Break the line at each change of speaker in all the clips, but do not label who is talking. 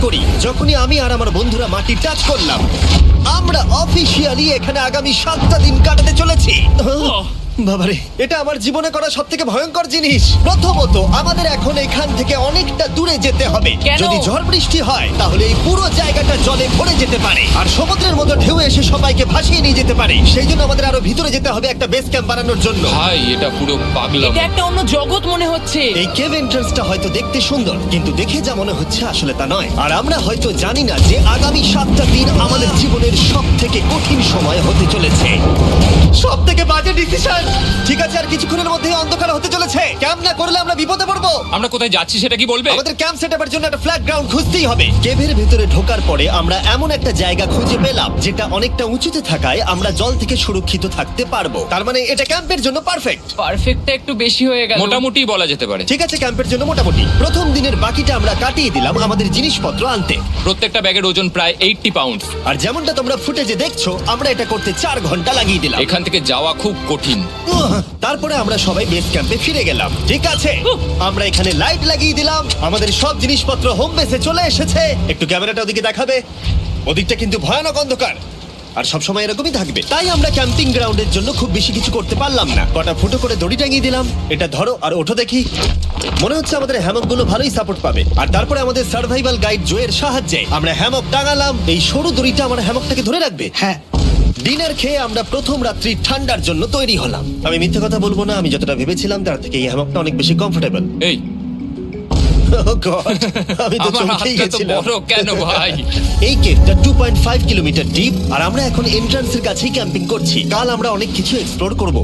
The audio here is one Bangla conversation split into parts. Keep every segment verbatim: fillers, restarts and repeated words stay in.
করি যখনই আমি আর আমার বন্ধুরা মাটি টাচ করলাম আমরা অফিসিয়ালি এখানে আগামী সাতটা দিন কাটাতে চলেছি বাবারে এটা আমার জীবনে করা সব থেকে ভয়ঙ্কর জিনিস। প্রথমত আমাদের এখন এখান থেকে অনেকটা দূরে যেতে হবে।
কেন?
যদি ঝড় বৃষ্টি হয় তাহলে এই পুরো জায়গাটা জলে ভরে যেতে পারে আর সমুদ্রের মতো ঢেউ এসে সবাইকে ভাসিয়ে নিয়ে যেতে পারে। সেই জন্য আমাদের আরো ভিতরে যেতে হবে একটা বেস ক্যাম্প বানানোর জন্য।
ভাই এটা পুরো পাগলাম।
এটা একটা অন্য জগৎ মনে হচ্ছে।
এই কেভ এন্ট্রান্সটা হয়তো দেখতে সুন্দর কিন্তু দেখে যা মনে হচ্ছে আসলে তা নয়। আর আমরা হয়তো জানি না যে আগামী সাতটা দিন আমাদের জীবনের সব থেকে কঠিন সময় হতে চলেছে। সব থেকে বাজে ডিসিশন। ঠিক আছে আর কিছুক্ষণের মধ্যেই অন্ধকার হতে চলেছে। ক্যাম্প না করলে আমরা বিপদে পড়বো।
আমরা কোথায় যাচ্ছি সেটা কি বলবে?
আমাদের ক্যাম্প সেটআপের জন্য একটা ফ্ল্যাট গ্রাউন্ড খুঁজতেই হবে। কেভের ভেতরে ঢোকার পরে আমরা এমন একটা জায়গা খুঁজে পেলাম যেটা অনেকটা উঁচুতে থাকায় আমরা জল থেকে সুরক্ষিত থাকতে পারবো। তার মানে এটা ক্যাম্পের জন্য পারফেক্ট।
পারফেক্টটা একটু বেশি হয়ে গেল।
মোটামুটি বলা যেতে পারে।
ঠিক আছে ক্যাম্পের জন্য মোটামুটি। প্রথম দিনের বাকিটা আমরা কাটিয়ে দিলাম আমাদের জিনিসপত্র আনতে।
প্রত্যেকটা ব্যাগের ওজন প্রায় আশি পাউন্ড।
আর যেমনটা তোমরা ফুটেজে দেখছো আমরা এটা করতে চার ঘন্টা লাগিয়ে দিলাম।
এখান থেকে যাওয়া খুব কঠিন।
উহ, তারপরে আমরা সবাই বেস ক্যাম্পে ফিরে গেলাম। ঠিক আছে আমরা এখানে লাইট লাগিয়ে দিলাম। আমাদের সব জিনিসপত্র হোম বেসে চলে এসেছে। একটু ক্যামেরাটা ওদিকে দেখাবে। ওদিকটা কিন্তু ভয়ানক অন্ধকার আর সবসময় এরকমই থাকবে। তাই আমরা ক্যাম্পিং গ্রাউন্ডের জন্য খুব বেশি কিছু করতে পারলাম না। কটা ফুটো করে দড়ি টাঙিয়ে দিলাম। এটা ধরো আর ওঠো দেখি। মনে হচ্ছে আমাদের হ্যামক গুলো ভালোই সাপোর্ট পাবে। আর তারপরে আমাদের সার্ভাইভাল গাইড জোয়ের সাহায্যে আমরা হ্যামক টাঙালাম। এই সরু দড়িটা আমার হ্যামকটাকে ধরে রাখবে। হ্যাঁ ডিনার খেয়ে আমরা প্রথম রাত্রি ঠান্ডার জন্য তৈরি হলাম। আমি মিথ্যে কথা বলবো না, আমি যতটা ভেবেছিলাম তার থেকে এই হ্যামকটা অনেক বেশি কমফোর্টেবল।
এই
আমি তো
আমার
চমকেই
হাতটা তো
গেছিলাম।
বড় কেন ভাই?
এই কেভটা two point five kilometre deep আর আমরা এখন এন্ট্রান্সের কাছেই ক্যাম্পিং করছি। কাল আমরা অনেক কিছু এক্সপ্লোর করব।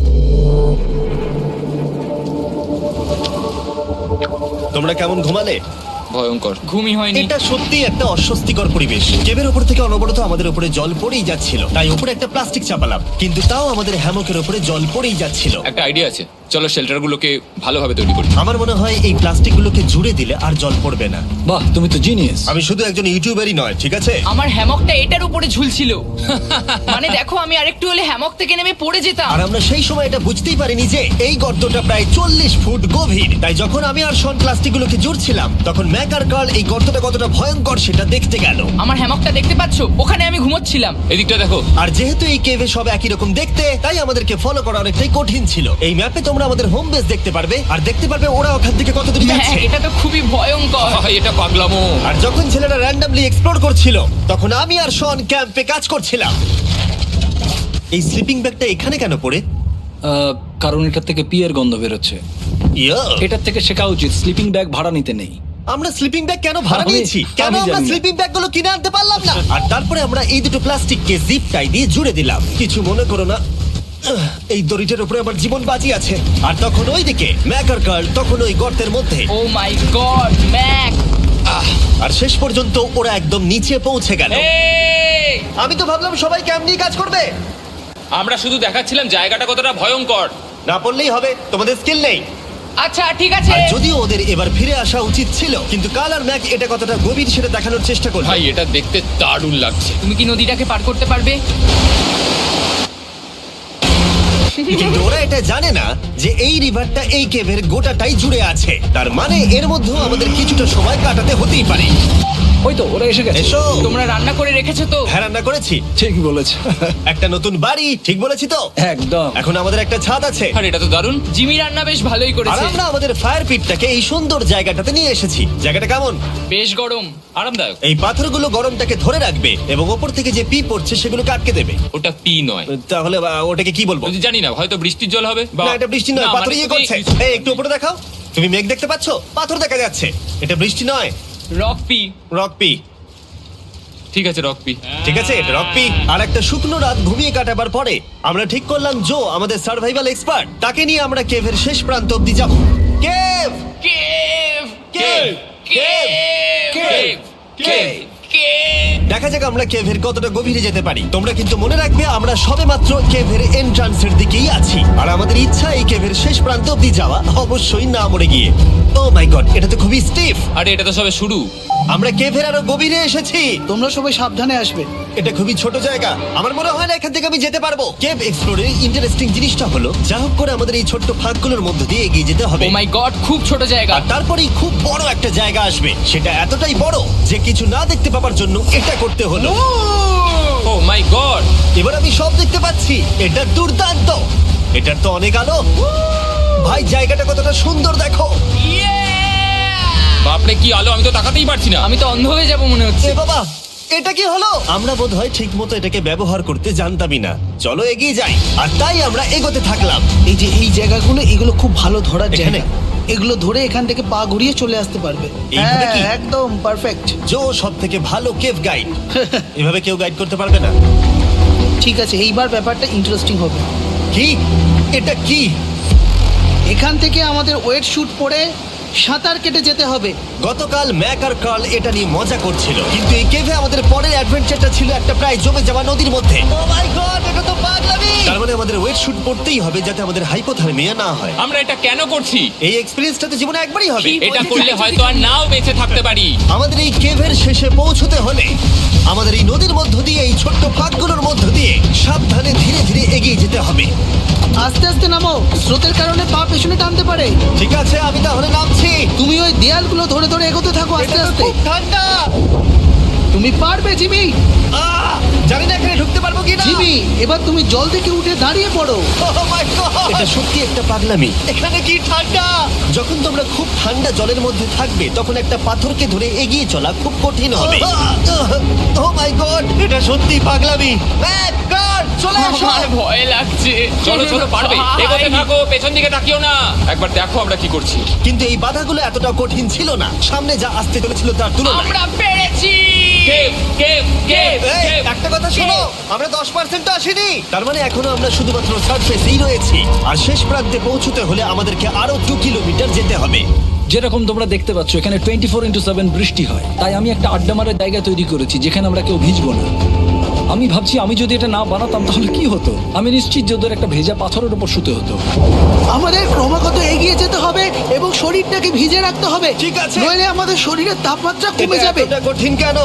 তোমরা কেমন ঘুমালে?
ভয়ঙ্কর।
ঘুমই হয়নি।
এটা সত্যি একটা অস্বস্তিকর পরিবেশ। কেভের উপর থেকে অনবরত আমাদের উপরে জল পড়েই যাচ্ছিল, তাই উপরে একটা প্লাস্টিক চাপালাম, কিন্তু তাও আমাদের হ্যামকের উপরে জল পড়েই যাচ্ছিল।
একটা আইডিয়া আছে, চলো শেল্টারগুলোকে ভালোভাবে তৈরি করি।
আমার মনে হয় এই প্লাস্টিকগুলোকে জুড়ে দিলে আর জল পড়বে না।
বাহ, তুমি তো জিনিয়াস।
আমি শুধু একজন ইউটিউবারই নয়, ঠিক আছে?
আমার হ্যামকটা এটার উপরে ঝুলছিল। মানে দেখো আমি আরেকটু হলে হ্যামক থেকে নেমে পড়ে যেতাম।
আর আমরা সেই সময় এটা বুঝতেই পারিনি যে এই গর্তটা প্রায় চল্লিশ ফুট গভীর। তাই যখন আমি আর শন প্লাস্টিকগুলোকে জুড়ছিলাম তখন ম্যাক আর কার্ল এই গর্তটা কতটা ভয়ঙ্কর সেটা দেখতে গেল।
আমার হ্যামকটা দেখতে পাচ্ছো? ওখানে আমি ঘুমোচ্ছিলাম।
এদিকটা দেখো।
আর যেহেতু এই কেভে সব একই রকম দেখতে, তাই আমাদেরকে ফলো করা অনেকটাই কঠিন ছিল। এই ম্যাপে তোমরা আমাদের হোম বেস দেখতে পারবে আর দেখতে পারবে ওরা ওখান থেকে কত দূর
হ্যাঁ
যাচ্ছে।
এটা তো খুবই ভয়ঙ্কর।
ভাই এটা পাগলামো।
আর যখন ছেলেরা র্যান্ডমলি এক্সপ্লোর করছিল তখন আমি আর শন ক্যাম্পে কাজ করছিলাম। এই স্লিপিং ব্যাগটা এখানে কেন পড়ে?
আহ, কারণ এটার থেকে পিয়ের গন্ধ বেরোচ্ছে।
ইয়া,
এটার থেকে শেখা উচিত স্লিপিং ব্যাগ ভাড়া নিতে নেই।
আমরা স্লিপিং ব্যাগ কেন ভাড়া
আমি-
নিয়েছি? কেন
আমি
আমরা
জানি না।
স্লিপিং ব্যাগ গুলো কিনে আনতে পারলাম না? আর তারপরে আমরা এই দুটো প্লাস্টিককে জিপ টাই দিয়ে জুড়ে দিলাম। কিছু মনে করো না, আহ, এই দড়িটার উপরে আমার জীবন বাজি আছে। আর তখন ওইদিকে ম্যাকার কার্ল তখন ওই গর্তের মধ্যে।
ও মাই গড ম্যাক।
আর শেষ পর্যন্ত ওরা একদম নিচে পৌঁছে গেল।
এই!
আমি তো ভাবলাম সবাই ক্যাম্প নিয়ে কাজ করবে।
আমরা শুধু দেখাচ্ছিলাম জায়গাটা কতটা ভয়ঙ্কর।
না পড়লেই হবে, তোমাদের স্কিল নেই।
আচ্ছা ঠিক আছে।
আর যদিও ওদের এবার ফিরে আসা উচিত ছিল, কিন্তু কাল আর ম্যাক এটা কতটা গভীর সেটা দেখানোর চেষ্টা করলো।
ভাই এটা দেখতে দারুণ লাগছে।
তুমি কি নদীটাকে পার করতে পারবে?
কিন্তু ওরা এটা জানে না যে এই রিভারটা এই কেভের গোটাটাই জুড়ে আছে। তার মানে এর মধ্যেও আমাদের কিছুটা সময় কাটাতে হতেই পারে।
ওই তো ওরা এসে গেছে।
এসো।
তোমরা রান্না করে রেখেছো তো?
হ্যাঁ রান্না করেছি।
ঠিক বলেছ।
একটা নতুন বাড়ি, ঠিক বলেছি তো?
একদম।
এখন আমাদের একটা ছাদ আছে।
আর এটা তো দারুণ।
জিমি রান্না বেশ ভালোই
আর
করেছে।
আমরা আমাদের ফায়ার পিটটাকে এই সুন্দর জায়গাটাতে নিয়ে এসেছি। জায়গাটা কেমন?
বেশ গরম।
আরামদায়ক।
এই পাথরগুলো গরমটাকে ধরে রাখবে এবং ওপর থেকে যে পি পড়ছে সেগুলোকে আটকে দেবে।
ওটা পি নয়।
তাহলে আহ, ওটাকে কি বলবো?
যদি জানি না, হয়তো বৃষ্টির জল হবে বা
না এটা বৃষ্টি নয়,
না,
পাথর
মানে
ইয়ে
তুমি-
করছে। এই একটু উপরে দেখাও। তুমি মেঘ দেখতে পাচ্ছো? পাথর দেখা যাচ্ছে। এটা বৃষ্টি নয়,
রক পি।
Rock P.
ঠিক আছে রক পি।
ঠিক আছে, এটা রক পি। আর একটা শুকনো রাত ঘুমিয়ে কাটাবার পরে আমরা ঠিক করলাম জো আমাদের সার্ভাইভাল এক্সপার্ট, তাকে নিয়ে আমরা কেভের শেষ প্রান্ত অব্দি যাব। Cave
cave
cave
cave
cave
cave cave.
দেখা যাক আমরা কেভের কতটা গভীরে যেতে পারি। তোমরা কিন্তু মনে রাখবে আমরা সবেমাত্র কেভের এন্ট্রান্সের দিকেই আছি আর আমাদের ইচ্ছা এই কেভের শেষ প্রান্ত অব্দি যাওয়া, অবশ্যই না মরে গিয়ে। ও মাই গড, এটা তো খুবই স্টিফ।
আরে এটা তো সবে শুরু।
আমরা কেভের আরো গভীরে এসেছি।
তোমরা সবাই সাবধানে আসবে।
এটা খুবই ছোট জায়গা, আমার মনে হয় না এখান থেকে আমি যেতে পারবো। কেভ এক্সপ্লোরের ইন্টারেস্টিং জিনিসটা হলো যা হোক করে আমাদের এই ছোট্ট ফাঁকগুলোর মধ্যে দিয়ে এগিয়ে যেতে হবে।
ও মাই গড, খুব ছোট জায়গা।
আর তারপরেই খুব বড় একটা জায়গা আসবে, সেটা এতটাই বড় যে কিছু না দেখতে পাওয়ার জন্য এটা করতে হলো।
Oh my God!
এবার আমি সব দেখতে পাচ্ছি, এটা দুর্দান্ত। এটার তো অনেক আলো। ভাই জায়গাটা কতটা সুন্দর দেখো।
বাপরে কি আলো, আমি তো তাকাতেই পারছি না।
আমি তো অন্ধ হয়ে যাব মনে হচ্ছে।
এ বাবা, এটা কি হলো? আমরা বোধহয় ঠিক মতো এটাকে ব্যবহার করতে জানতামই না। চলো এগিয়ে যাই। আর তাই আমরা এগোতে থাকলাম।
এই যে এই জায়গাগুলো, এগুলো খুব ভালো ধরার
এখানে?
জায়গা। এগুলো ধরে এখান থেকে পা ঘুরিয়ে চলে আসতে পারবে।
এইভাবে কি?
হ্যাঁ, একদম পারফেক্ট।
জো সব থেকে ভালো কেভ গাইড। এভাবে কেউ গাইড করতে পারবে না।
ঠিক আছে, এইবার ব্যাপারটা ইন্টারেস্টিং হবে।
কি? এটা কি?
এখান থেকে আমাদের ওয়েট শুট পরে সাঁতার কেটে যেতে হবে।
গতকাল ম্যাক আর কার্ল এটা নিয়ে মজা করছিল, কিন্তু এই কেভে আমাদের পরের অ্যাডভেঞ্চারটা ছিল একটা প্রায় জমে যাওয়া নদীর মধ্যে। ও মাই গড, এটা তো পাগলামি! তার মানে আমাদের ওয়েট শুট পড়তেই হবে যাতে আমাদের হাইপোথার্মিয়া না হয়।
আমরা এটা কেন করছি?
এই এক্সপেরিয়েন্সটা তো জীবনে একবারই হবে।
কি?
এটা করলে হয়তো আর নাও বেঁচে থাকতে পারি।
আমাদের এই কেভের শেষে পৌঁছতে হলে আমাদের এই নদীর মধ্য দিয়ে, এই ছোট্ট ফাঁকগুলোর মধ্য দিয়ে সাবধানে ধীরে ধীরে এগিয়ে যেতে হবে।
আস্তে আস্তে নামো, স্রোতের কারণে পা পেছনে টানতে পারে।
ঠিক আছে, আমি তাহলে নামছি।
তুমি ওই দেয়ালগুলো ধরে ধরে এগোতে থাকো আস্তে
এটা তো
আস্তে।
খুব ঠান্ডা।
তুমি পারবে জিমি।
আহ! জানি না এখানে ঢুকতে পারবো কি না।
জিমি, এবার তুমি জল থেকে উঠে দাঁড়িয়ে পড়ো।
এটা সত্যি একটা পাগলামি। এখানে কি ঠান্ডা! যখন তোমরা খুব ঠান্ডা জলের মধ্যে থাকবে তখন একটা পাথরকে ধরে এগিয়ে চলা খুব কঠিন হবে। ও মাই গড, এটা সত্যি পাগলামি। ম্যাক, গড, চলে আসো।
আমার ভয় লাগছে।
চলো চলো, পারবে।
ভাই।
এগোতে থাকো, পেছন দিকে তাকিও না। একবার দেখো আমরা কি করছি।
কিন্তু এই বাধাগুলো এতটা কঠিন ছিল না সামনে যা আসতে চলেছিল তার তুলনায়।
আমরা পেরেছি।
কেভ কেভ কেভ
এই,
কেভ।
একটা কথা শোনো, আমরা দশ পার্সেন্ট আসিনি। তার মানে এখনো আমরা শুধুমাত্র সার্ফেসেই রয়েছি, আর শেষ প্রান্তে পৌঁছতে হলে আমাদেরকে আরো দু কিলোমিটার যেতে হবে।
যেরকম তোমরা দেখতে পাচ্ছ এখানে টোয়েন্টি ফোর ইন্টু সেভেন বৃষ্টি হয়, তাই আমি একটা আড্ডা মারার জায়গা তৈরি করেছি যেখানে আমরা কেউ ভিজবো না। আমি ভাবছি আমি যদি এটা না বানাতাম তাহলে কি হতো। আমি নিশ্চিত যে ওদের একটা ভেজা পাথরের উপর শুতে হতো।
আমাদের ক্রমাগত এগিয়ে যেতে হবে এবং শরীরটাকে ভিজে রাখতে হবে।
ঠিক আছে।
নইলে আমাদের শরীরের তাপমাত্রা কমে
এটা
যাবে।
এতটা কঠিন কেন?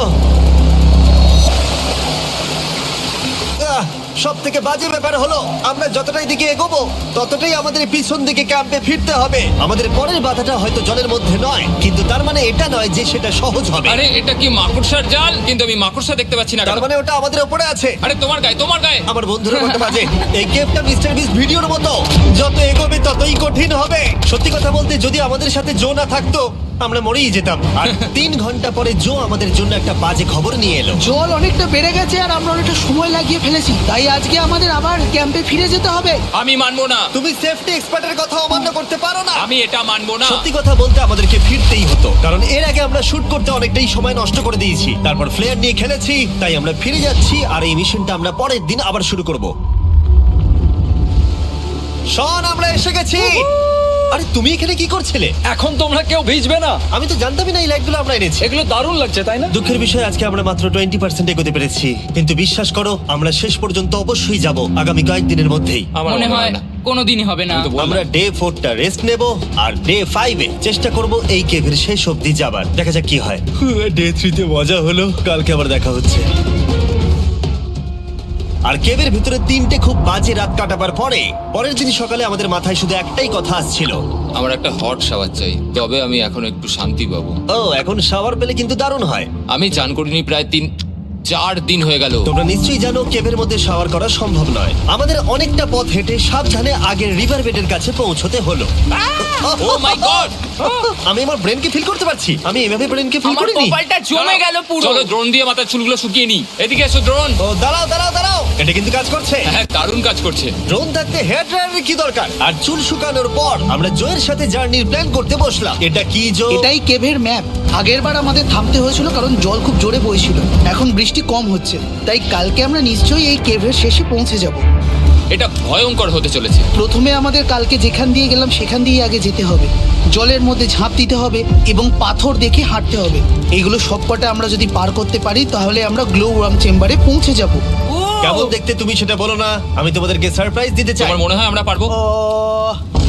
সব থেকে বাজে ব্যাপার হলো আমরা যতটাই দিকে এগোবো ততটাই আমাদের পিছন দিকে ক্যাম্পে ফিরতে হবে। আমাদের পরের বাধাটা হয়তো জলের মধ্যে নয়, কিন্তু তার মানে এটা নয় যে সেটা সহজ হবে।
আরে এটা কি মাকড়সার জাল? কিন্তু আমি মাকড়সা দেখতে পাচ্ছি না
তার
কেন?
মানে ওটা আমাদের উপরে আছে।
আরে তোমার গায়ে, তোমার গায়ে।
আমার বন্ধুরা বলতে বাজে, এই গেমটা মিস্টার বিস ভিডিওর মতো, যত এগোবে ততই কঠিন হবে। সত্যি কথা বলতে যদি আমাদের সাথে জো না থাকতো আমরা মরেই যেতাম। আর তিন ঘন্টা পরে জো আমাদের জন্য একটা বাজে খবর নিয়ে এলো।
জল অনেকটা বেড়ে গেছে আর আমরা অনেকটা সময় লাগিয়ে ফেলেছি, তাই আজকে আমাদের আবার ক্যাম্পে ফিরে যেতে হবে।
আমি মানবো না।
তুমি সেফটি এক্সপার্টের কথা অমান্য করতে পারো না।
আমি এটা মানবো না।
সত্যি কথা বলতে আমাদেরকে ফিরতেই হতো, কারণ এর আগে আমরা শুট করতে অনেকটাই সময় নষ্ট করে দিয়েছি। তারপর ফ্লেয়ার নিয়ে খেলেছি, তাই আমরা ফিরে যাচ্ছি আর এই মিশনটা আমরা পরের দিন আবার শুরু করব। শন, আমরা এসে গেছি। আরে তুমি এখানে কি করছিলে?
এখন তোমরা কেউ ভিজবে না।
আমি তো জানতামই না এই লাইটগুলো আমরা এনেছি।
এগুলো দারুণ লাগছে তাই না?
দুঃখের বিষয় আজকে আমরা মাত্র টোয়েন্টি পার্সেন্ট এগোতে পেরেছি, কিন্তু বিশ্বাস করো আমরা শেষ পর্যন্ত অবশ্যই যাব আগামী কয়েকদিনের মধ্যেই।
আমার
মনে হয় কোনোদিনই হবে না।
আমি তো বললাম।
আমরা ডে ফোরটা রেস্ট নেব আর ডে ফাইভে চেষ্টা করব এই কেভের শেষ অবধি যাবার। দেখা যাক কি হয়। ডে থ্রিতে মজা হলো, কালকে আবার দেখা হচ্ছে। আর কেভের ভিতরে তিনটে খুব বাজে রাত কাটাবার পরে পরের দিন সকালে আমাদের মাথায় শুধু একটাই কথা আসছিল,
আমার একটা হট শাওয়ার চাই, তবে আমি এখন একটু শান্তি পাবো।
ও এখন শাওয়ার পেলে কিন্তু দারুণ হয়।
আমি চান করিনি প্রায় তিন চার দিন হয়ে গেল।
তোমরা নিশ্চয়ই জানো কেভের মধ্যে শাওয়ার করা সম্ভব নয়। আমাদের অনেকটা পথ হেঁটে সাবধানে আগের রিভার বেডের কাছে পৌঁছতে হলো।
Oh my god!
আমি আমার ব্রেনকে ফিল করতে পারছি। আমি এভাবে ব্রেনকে ফিল
আমার
করিনি।
কপালটা জমে গেল পুরো।
চলো ড্রোন দিয়ে মাথার চুলগুলো শুকিয়ে নি। এদিকে এসো ড্রোন।
ও দাঁড়াও দাঁড়াও দাঁড়াও, এটা কিন্তু কাজ করছে।
হ্যাঁ, দারুণ কাজ করছে।
ড্রোন থাকতে হেয়ার ড্রায়ারের কি দরকার? আর চুল শুকানোর পর আমরা জয়ের সাথে জার্নির প্ল্যান করতে বসলাম। এটা কি জো?
এটাই কেভের ম্যাপ। আগেরবার আমাদের থামতে হয়েছিল কারণ জল খুব জোরে বইছিল। এখন বৃষ্টি কম হচ্ছে, তাই কালকে আমরা নিশ্চয়ই এই কেভের শেষে পৌঁছে যাব।
এটা ভয়ঙ্কর হতে চলেছে।
প্রথমে আমাদের কালকে যেখান দিয়ে গেলাম সেখান দিয়ে আগে যেতে হবে। জলের মধ্যে ঝাঁপ দিতে হবে এবং পাথর দেখে হাঁটতে হবে। এগুলো সবকটা আমরা যদি পার করতে পারি তাহলে আমরা গ্লো ওয়ার্ম চেম্বারে পৌঁছে যাব।
কেমন দেখতে তুমি সেটা বলো না, আমি তোমাদেরকে সারপ্রাইজ দিতে চাই।
তোমার মনে হয় আমরা পারবো?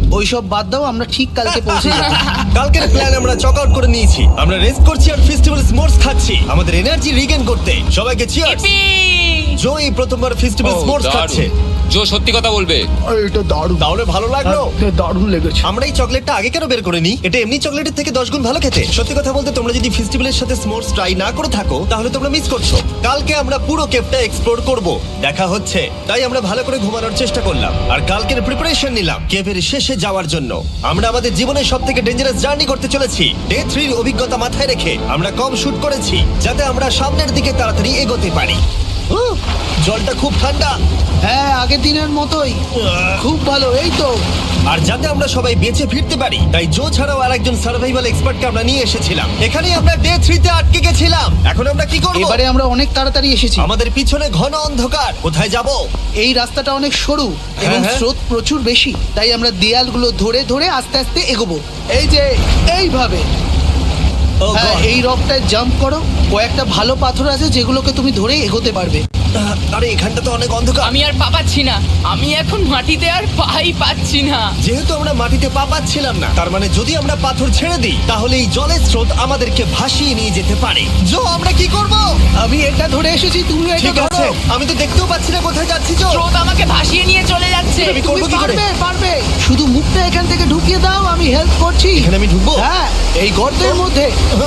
ওইসব বাদ দাও, আমরা ঠিক কালকে পৌঁছে যাবো।
কালকের প্ল্যান আমরা চক আউট করে নিয়েছি। আমরা রেস্ট করছি আর ফেস্টিভ্যাল স্মোর্স খাচ্ছি আমাদের এনার্জি রিগেন করতে। সবাইকে চিয়ার্স।
Yippee!
জো এই প্রথমবার ফেস্টিভ্যাল
ও,
স্মোর্স
দারুণ।
খাচ্ছে।
জো সত্যি কথা বলবে।
এটা দারুণ,
তাহলে ভালো লাগলো?
দারুণ লেগেছে।
আমরা এই চকলেটটা আগে কেন বের করিনি? এটা এমনি চকলেটের থেকে দশ গুণ ভালো খেতে। সত্যি কথা বলতে তোমরা যদি ফেস্টিভ্যালের সাথে স্মোর্স ট্রাই না করে থাকো তাহলে তোমরা মিস করছো। কালকে আমরা পুরো কেভটা এক্সপ্লোর করব, দেখা হচ্ছে। তাই আমরা ভালো করে ঘুমানোর চেষ্টা করলাম আর কালকের প্রিপারেশন নিলাম কেভের শেষে যাওয়ার জন্য। আমরা আমাদের জীবনের সব থেকে ডেঞ্জারাস জার্নি করতে চলেছি। ডে থ্রির অভিজ্ঞতা মাথায় রেখে আমরা কম শুট করেছি যাতে আমরা সামনের দিকে তাড়াতাড়ি এগোতে পারি। উহ, জলটা খুব ঠান্ডা
হ্যাঁ, আগের দিনের মতোই খুব ভালো। এই তো
আর যাতে আমরা সবাই বেঁচে ফিরতে পারি তাই জো ছাড়াও আরেকজন সার্ভাইভাল এক্সপার্টকে আমরা নিয়ে এসেছিলাম। এখানেই আমরা ডে থ্রিতে আটকে গেছিলাম। এখন আমরা কি করব?
এবারে আমরা অনেক তাড়াতাড়ি এসেছি।
আমাদের পিছনে ঘন অন্ধকার, কোথায় যাব?
এই রাস্তাটা অনেক সরু এবং
হ্যাঁ।
স্রোত প্রচুর বেশি, তাই আমরা দেয়ালগুলো ধরে ধরে আস্তে আস্তে এগোবো। এই যে এইভাবে।
Oh
হ্যাঁ,
God!
এই রকটায় জাম্প করো। কয়েকটা ভালো পাথর আছে যেগুলোকে তুমি ধরে এগোতে পারবে।
আহ, আরে এখানটা তো অনেক অন্ধকার।
আমি আর পা পাচ্ছি না, আমি এখন মাটিতে আর পাই পাচ্ছি না।
যেহেতু আমরা মাটিতে পা পাচ্ছিলাম না, তার মানে যদি আমরা পাথর ছেড়ে দিই তাহলে এই জলের স্রোত আমাদেরকে ভাসিয়ে নিয়ে যেতে পারে। জো, আমরা কি করব?
আমি এটা ধরে এসেছি, তুমি এটা
ঠিক আছে,
ধরো।
আমি তো দেখতেও পাচ্ছি না কোথায় যাচ্ছি। জো,
স্রোত আমাকে ভাসিয়ে নিয়ে চলে যাচ্ছে।
আমি
তুমি
করবো কি করে?
পারবে, পারবে। শুধু মুখটা এখান থেকে ঢুকিয়ে দাও, আমি হেল্প করছি।
এখানে আমি ঢুকবো?
হ্যাঁ, এই গর্তের মধ্যে।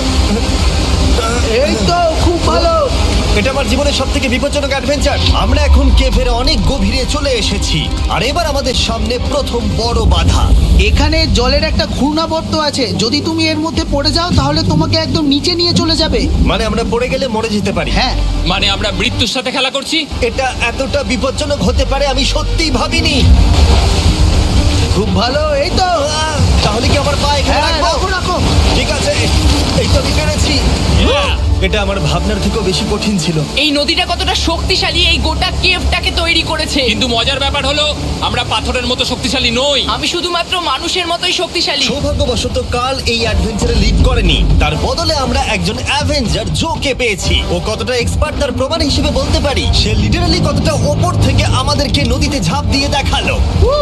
এই তো খুব ভালো।
এটা আমার জীবনের সব থেকে বিপজ্জনক অ্যাডভেঞ্চার। আমরা এখন কেভের অনেক গভীরে চলে এসেছি আর এবার আমাদের সামনে প্রথম বড় বাধা।
এখানে জলের একটা ঘূর্ণাবর্ত আছে, যদি তুমি এর মধ্যে পড়ে যাও তাহলে তোমাকে একদম নিচে নিয়ে চলে যাবে।
মানে আমরা পড়ে গেলে মরে যেতে পারি।
হ্যাঁ,
মানে আমরা মৃত্যুর সাথে খেলা করছি।
এটা এতটা বিপজ্জনক হতে পারে আমি সত্যিই ভাবিনি।
খুব ভালো। এই তো।
আহ, তাহলে কি আমার পা এখানে
হ্যাঁ,
রাখবো?
রাখো রাখো।
ঠিক আছে, এই তো আমি পেরেছি। এটা আমার ভাবনার থেকেও বেশি কঠিন ছিল।
এই নদীটা কতটা শক্তিশালী এই গোটা কেভটাকে তৈরি করেছে।
কিন্তু মজার ব্যাপার হলো আমরা পাথরের মতো শক্তিশালী নই।
আমি শুধুমাত্র মানুষের মতোই শক্তিশালী।
সৌভাগ্যবশত কাল এই অ্যাডভেঞ্চারে লিড করেনি, তার বদলে আমরা একজন অ্যাভেঞ্জার জোকে পেয়েছি। ও কতটা এক্সপার্ট তার প্রমাণ হিসেবে বলতে পারি। সে লিটারালি কতটা ওপর থেকে আমাদেরকে নদীতে ঝাঁপ দিয়ে দেখালো।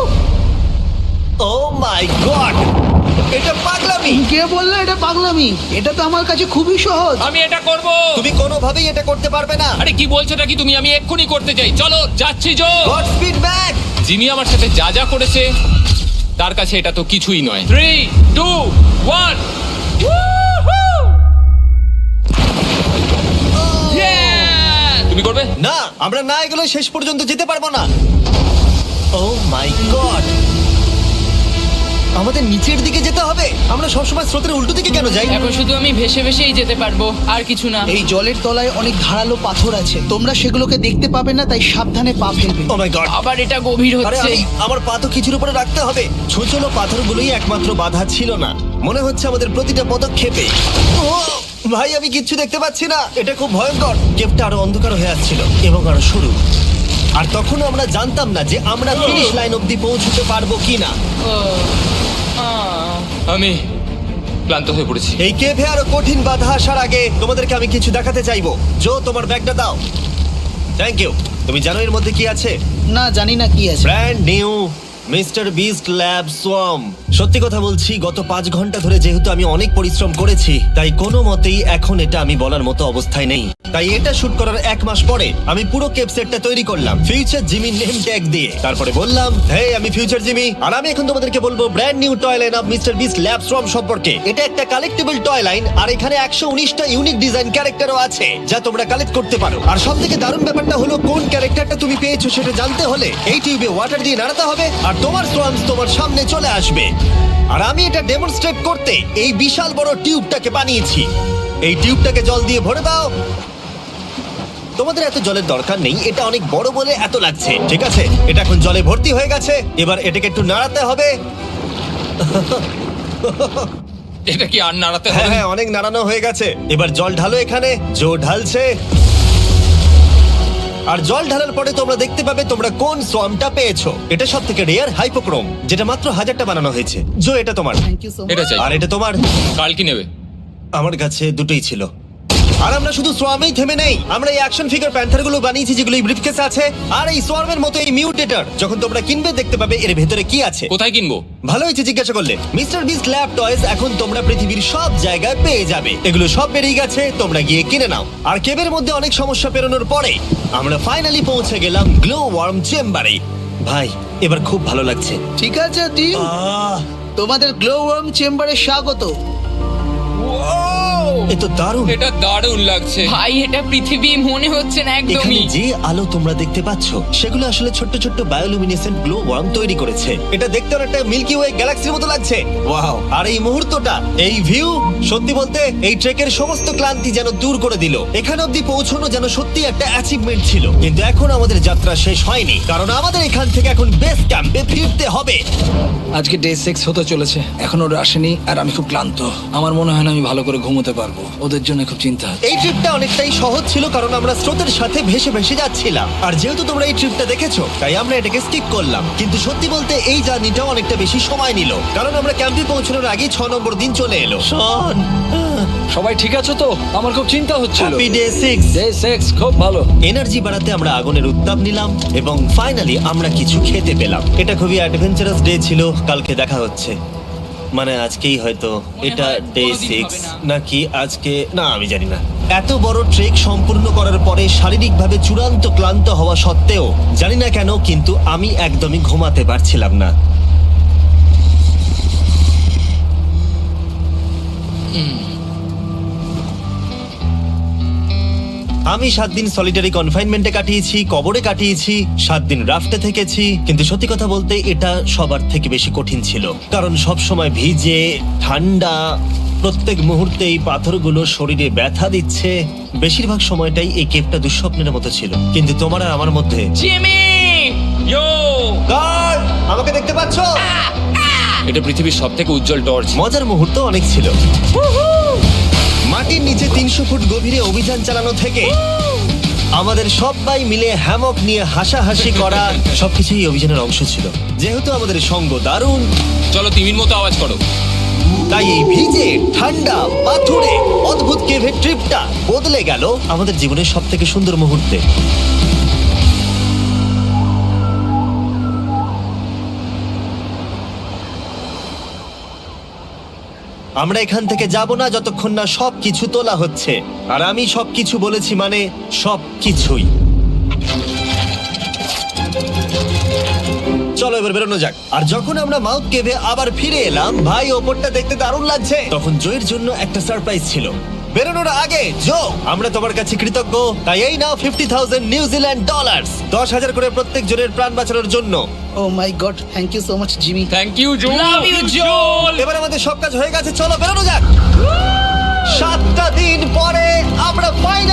ও মাই গড, এটা পাগলামি।
কে বললো এটা পাগলামি? এটা তো আমার কাছে খুবই সহজ।
আমি এটা করব।
তুমি কোনোভাবেই এটা করতে পারবে না।
আরে কি বলছোটা কি তুমি? আমি এক্ষুনি করতে চাই। চলো যাচ্ছি Joe.
God speed back.
Jimmy আমার সাথে যা যা করেছে তার কাছে এটা তো কিছুই নয়। Three two one. তুমি করবে?
না, আমরা না এগুলো শেষ পর্যন্ত যেতে পারবো না। ও মাই গড, আমাদের নিচের দিকে যেতে হবে। আমরা সবসময় স্রোতের উল্টো দিকে কেন যাই?
এখন শুধু আমি ভেসে ভেসেই যেতে পারবো, আর কিছু না।
এই জলের তলায় অনেক ধারালো পাথর আছে, তোমরা সেগুলোকে দেখতে পাবে না, তাই সাবধানে পা ফেলবে।
ও মাই গড,
আবার এটা গভীর
আরে
হচ্ছে।
আমি আমার পা তো কিছুর উপরে রাখতে হবে। ছোট পাথরগুলোই একমাত্র বাধা ছিল না, মনে হচ্ছে আমাদের প্রতিটা পদক্ষেপে। ও ভাই, আমি কিচ্ছু দেখতে পাচ্ছি না। এটা খুব ভয়ঙ্কর। কেভটা আরো অন্ধকার হয়ে আসছিল এবং আরো সরু। আর তখন আমরা জানতাম না যে আমরা ফিনিশ লাইন অবধি পৌঁছতে পারবো কিনা।
ও, আহ।
আমি ক্লান্ত হয়ে পড়েছি।
এই কেভে আরো কঠিন বাধা আসার আগে তোমাদেরকে আমি কিছু দেখাতে চাইবো। জো, তোমার ব্যাগটা দাও। Thank you. তুমি জানো এর মধ্যে কি আছে?
না, জানি না কি আছে।
Brand new mister Beast lab swarm. সত্যি কথা বলছি, গত পাঁচ ঘন্টা ধরে যেহেতু আমি অনেক পরিশ্রম করেছি, তাই কোনো মতেই এখন এটা আমি বলার মতো অবস্থায় নেই। তাই এটা শুট করার এক মাস পরে আমি পুরো কেপ সেটটা তৈরি করলাম ফিউচার জিমি নেম ট্যাগ দিয়ে। তারপরে বললাম, হে আমি ফিউচার জিমি, আর আমি এখন তোমাদেরকে বলবো brand new toy line of mister Beast lab swarm সম্পর্কে। এটা একটা কালেক্টেবল টয় লাইন, আর এখানে একশো উনিশটা ইউনিক ডিজাইন ক্যারেক্টারও আছে যা তোমরা কালেক্ট করতে পারো। আর সব থেকে দারুণ ব্যাপারটা হলো, কোন ক্যারেক্টারটা তুমি পেয়েছো সেটা জানতে হলে এই টিউবে ওয়াটার দিয়ে নাড়াতে হবে আর তোমার সোয়ামস তোমার সামনে চলে আসবে। আর আমি এটা ডেমনস্ট্রেট করতে এই বিশাল বড় টিউবটাকে বানিয়েছি। এই টিউবটাকে জল দিয়ে ভরে দাও। তোমাদের এত জলের দরকার নেই, এটা অনেক বড় বলে এত লাগছে। ঠিক আছে, এটা এখন জলে ভর্তি হয়ে গেছে। এবার এটাকে একটু নাড়াতে হবে।
এটা কি আর নাড়াতে
হ্যাঁ
হবে?
হ্যাঁ, অনেক নাড়ানো হয়ে গেছে। এবার জল ঢালো এখানে। জো ঢালছে। আর জল ঢালার পরে তোমরা দেখতে পাবে তোমরা কোন সোয়ামটা পেয়েছো। এটা সব থেকে রেয়ার হাইপোক্রোম, যেটা মাত্র হাজারটা বানানো হয়েছে। জো, এটা তোমার।
Thank you so much.
এটা চাই।
আর এটা তোমার।
কাল কি নেবে?
আমার কাছে দুটোই ছিল। আর আমরা শুধু সোয়ামেই থেমে নেই, আমরা এই অ্যাকশন ফিগার প্যান্থার গুলো বানিয়েছি যেগুলো এই ব্রিফকেসে আছে। আর এই সোয়ার্মের মতো এই মিউটেটর যখন তোমরা কিনবে দেখতে পাবে এর ভেতরে কি আছে।
কোথায় কিনবো?
ভালো হয়েছে জিজ্ঞাসা করলে। মিস্টার বিস্ট ল্যাব টয়েস এখন তোমরা পৃথিবীর সব জায়গায় পেয়ে যাবে। এগুলো সব বেরিয়ে গেছে, তোমরা গিয়ে কিনে নাও। আর কেবের মধ্যে অনেক সমস্যা পেরোনোর পরে আমরা ফাইনালি পৌঁছে গেলাম গ্লো ওয়ার্ম চেম্বারে। ভাই এবার খুব ভালো লাগছে।
ঠিক আছে টিম,
আহ,
তোমাদের গ্লো ওয়ার্ম চেম্বারে স্বাগত।
এ তো দারুণ।
এটা দারুণ লাগছে।
ভাই এটা পৃথিবী মনে হচ্ছে না
এখানে
একদমই।
যে আলো তোমরা দেখতে পাচ্ছ সেগুলো আসলে ছোট্ট ছোট্ট বায়োলুমিনেসেন্ট গ্লো ওয়ার্ম তৈরি করেছে। এটা দেখতে অনেকটা মিল্কি ওয়ে গ্যালাক্সির মতো লাগছে। ওয়াও! আর এই মুহূর্তটা, এই ভিউ, সত্যি বলতে এই ট্রেকের সমস্ত ক্লান্তি যেন দূর করে দিল। এখান অবধি পৌঁছানো যেন সত্যি একটা অ্যাচিভমেন্ট ছিল। কিন্তু এখন আমাদের যাত্রা শেষ হয়নি, কারণ আমাদের এখান থেকে এখন বেস ক্যাম্পে ফিরতে হবে।
আজকে ডে সিক্স হতে চলেছে, এখনো ওরা আসেনি আর আমি খুব ক্লান্ত। আমার মনে হয় না আমি ভালো করে ঘুমোতে পারবো, ওদের জন্য খুব চিন্তা হচ্ছে।
এই ট্রিপটা অনেকটাই সহজ ছিল কারণ আমরা স্রোতের সাথে ভেসে ভেসে যাচ্ছিলাম। আর যেহেতু তোমরা এই ট্রিপটা দেখেছো তাই আমরা এটাকে স্কিপ করলাম। কিন্তু সত্যি বলতে এই জার্নিটাও অনেকটা বেশি সময় নিল, কারণ আমরা ক্যাম্পে পৌঁছানোর আগেই ছ নম্বর দিন চলে এলো। শন,
সবাই ঠিক আছে তো? আমার খুব চিন্তা হচ্ছিল।
Happy day six.
Day six খুব ভালো।
এনার্জি বাড়াতে আমরা আগুনের উত্তাপ নিলাম এবং ফাইনালি আমরা কিছু খেতে পেলাম। এটা খুবই অ্যাডভেঞ্চারাস ডে ছিল। কালকে দেখা হচ্ছে, মানে আজকেই হয়তো। এটা
হয়
ডে
কোনোদিন
সিক্স
হবে না।
নাকি আজকে, না আমি জানি না। এত বড় ট্রেক সম্পূর্ণ করার পরে শারীরিকভাবে চূড়ান্ত ক্লান্ত হওয়া সত্ত্বেও জানি না কেন কিন্তু আমি একদমই ঘুমাতে পারছিলাম না। আমি সাত দিন সলিটারি কনফাইনমেন্টে কাটিয়েছি, কবরে কাটিয়েছি, সাত দিন রাফটে থেকেছি। কিন্তু সত্যি কথা বলতে এটা সবার থেকে বেশি কঠিন ছিল, কারণ সব সময় ভিজে, ঠান্ডা, প্রত্যেক মুহূর্তে এই পাথরগুলো শরীরে ব্যথা দিচ্ছে। বেশিরভাগ সময়টাই এই কেপটা দুঃস্বপ্নের মতো ছিল। কিন্তু তোমার আর আমার মধ্যে
জিমি!
ইয়ো!
গার্ড, আমাকে দেখতে পাচ্ছো?
এটা পৃথিবীর সবথেকে উজ্জ্বল টর্চ।
মজার মুহূর্ত অনেক ছিল। মাটির নিচে তিনশো ফুট গভীরে অভিযান চালানো থেকে আমাদের সবাই মিলে হ্যামক নিয়ে হাসাহাসি করা সবকিছুই এই অভিযানের অংশ ছিল। যেহেতু আমাদের সঙ্গ দারুণ,
চলো তিমির মতো আওয়াজ করো।
তাই এই ভিজে, ঠান্ডা, পাথুরে অদ্ভুত কেভের ট্রিপটা বদলে গেল আমাদের জীবনের সব থেকে সুন্দর মুহূর্তে। আমরা এখান থেকে যাব না যতক্ষণ না সবকিছু তোলা হচ্ছে। আর আমি সবকিছু বলেছি মানে সবকিছুই। চলো এবার বেরোনো যাক। আর যখন আমরা মাউথ কেভে আবার ফিরে এলাম, ভাই ওপরটা দেখতে দারুণ লাগছে। তখন জয়ের জন্য একটা সারপ্রাইজ ছিল। বেরোনোর আগে জো, আমরা তোমার কাছে কৃতজ্ঞ। তাই এই নাও ফিফটি থাউজেন্ড নিউজিল্যান্ড ডলার, দশ হাজার করে প্রত্যেক জনের প্রাণ বাঁচানোর জন্য।
Oh my god, thank you so much Jimmy.
Thank you Joe.
Love you, Joel!
এবার আমাদের সব কাজ হয়ে গেছে, চলো বেরোনো যাক। সাতটা দিন পরে আমরা ফাইনালি